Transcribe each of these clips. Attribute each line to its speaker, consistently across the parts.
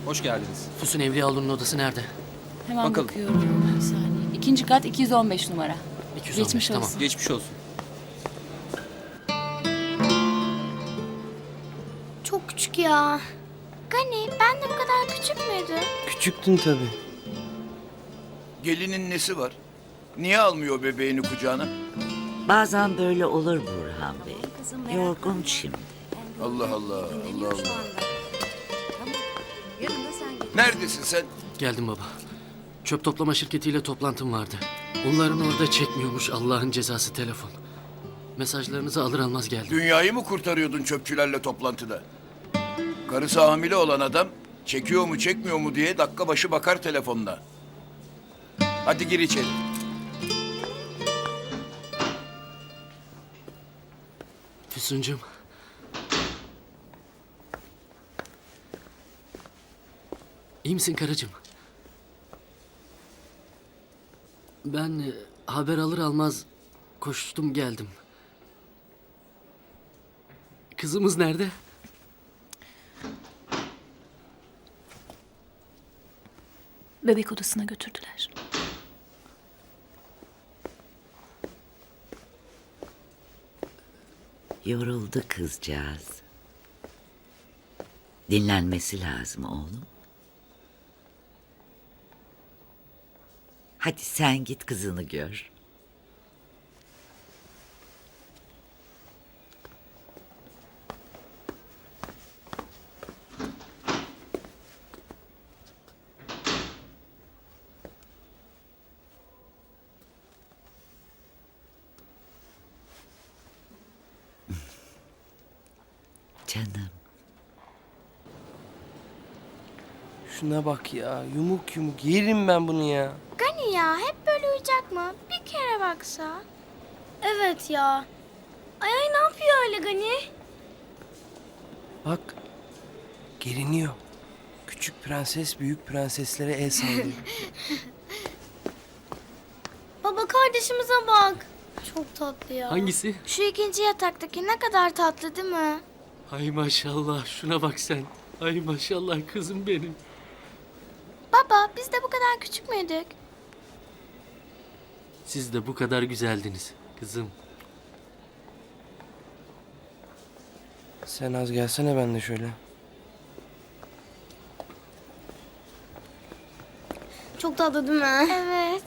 Speaker 1: Hoş geldiniz.
Speaker 2: Füsun Evliyaoğlu'nun odası nerede?
Speaker 3: Hemen
Speaker 1: Bakalım.
Speaker 3: bakıyorum. Bir saniye. İkinci kat 215 numara.
Speaker 2: 215,
Speaker 3: Geçmiş
Speaker 2: tamam.
Speaker 3: olsun.
Speaker 1: Geçmiş olsun.
Speaker 4: Çok küçük ya. Gani ben de bu kadar küçük müydü?
Speaker 5: Küçüktün tabii.
Speaker 6: Gelinin nesi var? Niye almıyor bebeğini kucağına?
Speaker 7: Bazen böyle olur Burhan Bey. Yorgun şimdi.
Speaker 6: Allah Allah, Allah Allah. Neredesin sen?
Speaker 2: Geldim baba. Çöp toplama şirketiyle toplantım vardı. Onların orada çekmiyormuş Allah'ın cezası telefon. Mesajlarınızı alır almaz geldim.
Speaker 6: Dünyayı mı kurtarıyordun çöpçülerle toplantıda? Karısı hamile olan adam çekiyor mu çekmiyor mu diye dakika başı bakar telefonuna. Hadi gir içeri.
Speaker 2: Füsuncuğum. İyi misin karıcığım? Ben haber alır almaz koştum geldim. Kızımız nerede?
Speaker 3: Bebek odasına götürdüler.
Speaker 7: Yoruldu kızcağız. Dinlenmesi lazım oğlum. Hadi sen git kızını gör. Canım.
Speaker 5: Şuna bak ya. Yumuk yumuk. Yerim ben bunu ya.
Speaker 4: Gani ya hep böyle uyuyacak mı? Bir kere baksa. Evet ya. Ay ne yapıyor öyle Gani?
Speaker 5: Bak. Geriniyor. Küçük prenses büyük prenseslere el sallıyor.
Speaker 4: Baba kardeşimize bak. Çok tatlı ya.
Speaker 2: Hangisi?
Speaker 4: Şu ikinci yataktaki ne kadar tatlı değil mi?
Speaker 2: Ay maşallah şuna bak sen. Ay maşallah kızım benim.
Speaker 4: Baba biz de bu kadar küçük müydük?
Speaker 2: Siz de bu kadar güzeldiniz kızım.
Speaker 5: Sen az gelsene ben de şöyle.
Speaker 4: Çok tatlı değil mi? Evet.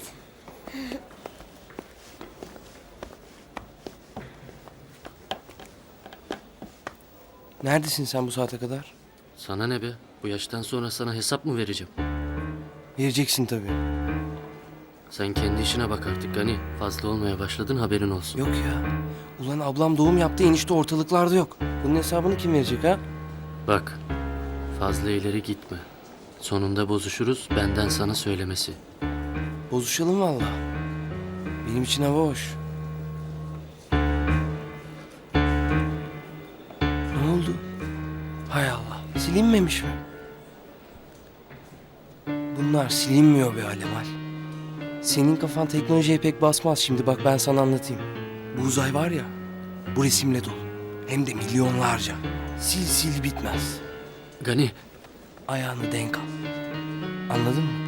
Speaker 5: Neredesin sen bu saate kadar?
Speaker 2: Sana ne be? Bu yaştan sonra sana hesap mı vereceğim?
Speaker 5: Vereceksin tabii.
Speaker 2: Sen kendi işine bak artık Gani. Fazla olmaya başladın haberin olsun.
Speaker 5: Yok ya. Ulan ablam doğum yaptı enişte ortalıklarda yok. Bunun hesabını kim verecek ha?
Speaker 2: Bak fazla ileri gitme. Sonunda bozuşuruz benden sana söylemesi.
Speaker 5: Bozuşalım valla. Benim için hava hoş. Ne oldu? Hay Allah. Silinmemiş mi? Bunlar silinmiyor be Alemal. Senin kafan teknolojiye pek basmaz şimdi bak ben sana anlatayım. Bu uzay var ya, bu resimle dolu. Hem de milyonlarca. Sil sil bitmez.
Speaker 2: Gani
Speaker 5: Ayağını denk al. Anladın mı?